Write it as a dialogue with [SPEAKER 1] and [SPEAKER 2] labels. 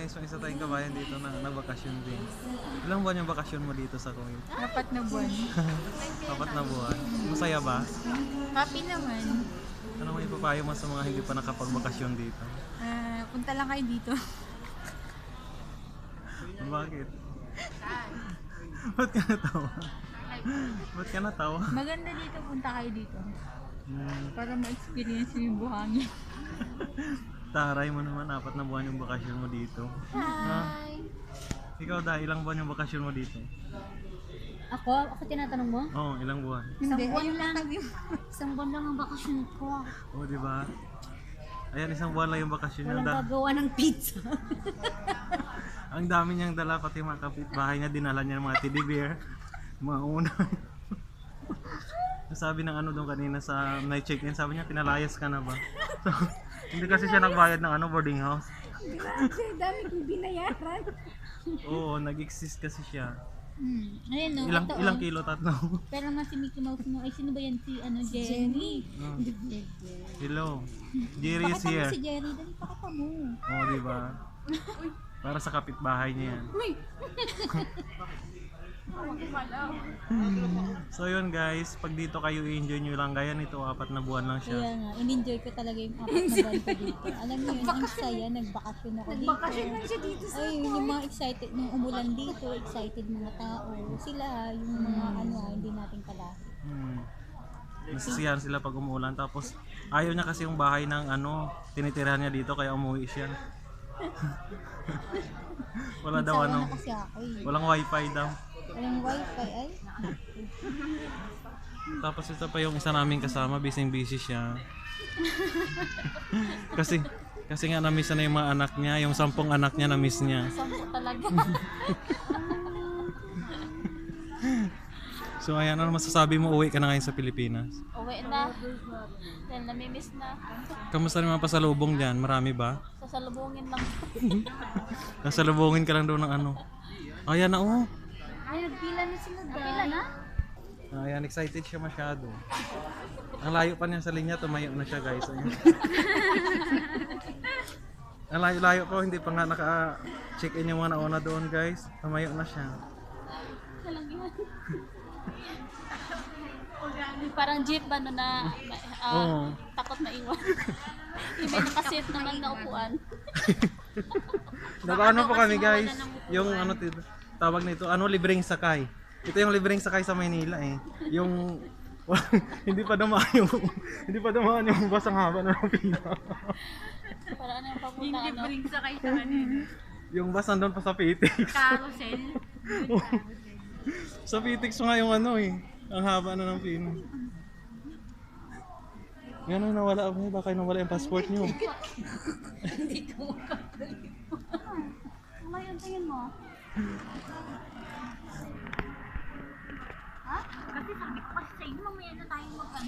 [SPEAKER 1] guys, may isa tayong kabayan dito na bakasyon din. Ilang buwan yung bakasyon mo dito sa Kuwait?
[SPEAKER 2] 4 na buwan.
[SPEAKER 1] 4 na buwan. Masaya ba?
[SPEAKER 2] Happy naman.
[SPEAKER 1] Ano may papayo mo sa mga hindi pa nakapagbakasyon dito?
[SPEAKER 2] Punta lang kayo dito.
[SPEAKER 1] Bakit? Ba't ka natawa? Ba't ka natawa?
[SPEAKER 2] Maganda dito, punta kayo dito.
[SPEAKER 1] Hmm,
[SPEAKER 2] Para ma-experience yung buhangin.
[SPEAKER 1] taray mo naman, 4 na buwan yung bakasyon mo dito. Ha? Ikaw dahil ilang buwan yung bakasyon mo dito?
[SPEAKER 3] Ako tinatanong mo?
[SPEAKER 1] Oo, ilang buwan?
[SPEAKER 2] Hindi,
[SPEAKER 3] buwan
[SPEAKER 2] ayun
[SPEAKER 3] lang.
[SPEAKER 2] lang.
[SPEAKER 3] Isang buwan lang ang bakasyon ko.
[SPEAKER 1] Oo, di ba? Ayan, isang buwan lang yung bakasyon niya.
[SPEAKER 3] Walang gagawa ng pizza.
[SPEAKER 1] Ang dami niyang dala, pati mga kapitbahay niya, dinala niya ng mga teddy bear, mga unay. Sabi ng ano doon kanina sa night check-in, sabi niya, pinalayas ka na ba? So, hindi kasi siya nagbayad ng boarding house.
[SPEAKER 2] Grabe, dami kong binayaran.
[SPEAKER 1] Oo, nag-exist kasi siya.
[SPEAKER 3] Ayun no, ito,
[SPEAKER 1] Ilang kilo, tatlo.
[SPEAKER 3] Pero nga si Mickey Mouse mo, ay sino ba yan? Si Jenny.
[SPEAKER 1] Oh. Hello. Jerry is
[SPEAKER 3] Pakita mo
[SPEAKER 1] here.
[SPEAKER 3] si Jenny, dali pakita mo.
[SPEAKER 1] Oo, di ba? Para sa kapitbahay niya yan. So yun guys, pag dito kayo i-enjoy nyo lang, gaya nito, 4 na buwan lang
[SPEAKER 3] Kaya
[SPEAKER 1] siya.
[SPEAKER 3] nga, in-enjoy ko talaga yung 4 na buwan ko dito. Alam niyo yun, ang saya, nagbakasyon ako dito.
[SPEAKER 2] Bakasyon lang siya dito sa...
[SPEAKER 3] Ay, yung mga excited, nung umulan dito, excited mga tao. Sila, yung mga hindi natin kala.
[SPEAKER 1] Nasisiyahan sila pag umuulan, tapos ayaw niya kasi yung bahay ng tinitirahan niya dito, kaya umuwi siya. Wala daw
[SPEAKER 3] Nagsawa na kasi ako eh.
[SPEAKER 1] walang wifi daw.
[SPEAKER 3] Walang wifi ay.
[SPEAKER 1] Tapos ito pa yung isa namin kasama, busy siya. kasi nga na-miss na yung mga anak niya, yung 10 anak niya na-miss niya.
[SPEAKER 3] Sampo talaga.
[SPEAKER 1] So ayan, ano masasabi mo, uwi ka na ngayon sa Pilipinas?
[SPEAKER 3] Uwi na. Dahil namimiss na.
[SPEAKER 1] Kamusta naman pasalubong dyan? Marami ba?
[SPEAKER 3] Sasalubungin lang.
[SPEAKER 1] Nasalubungin ka lang doon ng Ayan na oh.
[SPEAKER 3] Ay, nagpila na sila dahil. Nagpila na?
[SPEAKER 1] Ayan, excited siya masyado. Ang layo pa niya sa linya, tumayo na siya guys. Ayan. Ang layo-layo po, hindi pa nga naka-check-in yung mga nauna doon guys. Tumayo na siya.
[SPEAKER 3] Walang yun. Parang jeep ba no na
[SPEAKER 1] Oo.
[SPEAKER 3] takot na iwan. May nakasit naman na upuan.
[SPEAKER 1] Nakaano po kami guys, yung tawag nito, libreng sakay. Ito yung libreng sakay sa Maynila eh. Yung hindi pa dumaan yung bus ang haba ng pila.
[SPEAKER 3] Para ano yung papunta
[SPEAKER 2] Hindi bring sa kayo sa kanina.
[SPEAKER 1] Yung bus nandun pa sa Pitex.
[SPEAKER 2] Carousel.
[SPEAKER 1] Sa Pitex nga yung ang haba na ng pila. Yan ang nawala ako, baka nawala yung passport nyo.
[SPEAKER 3] Ano yung tingin mo? Ha? Kasi sabi ko kasi sa inyo mamaya na tayo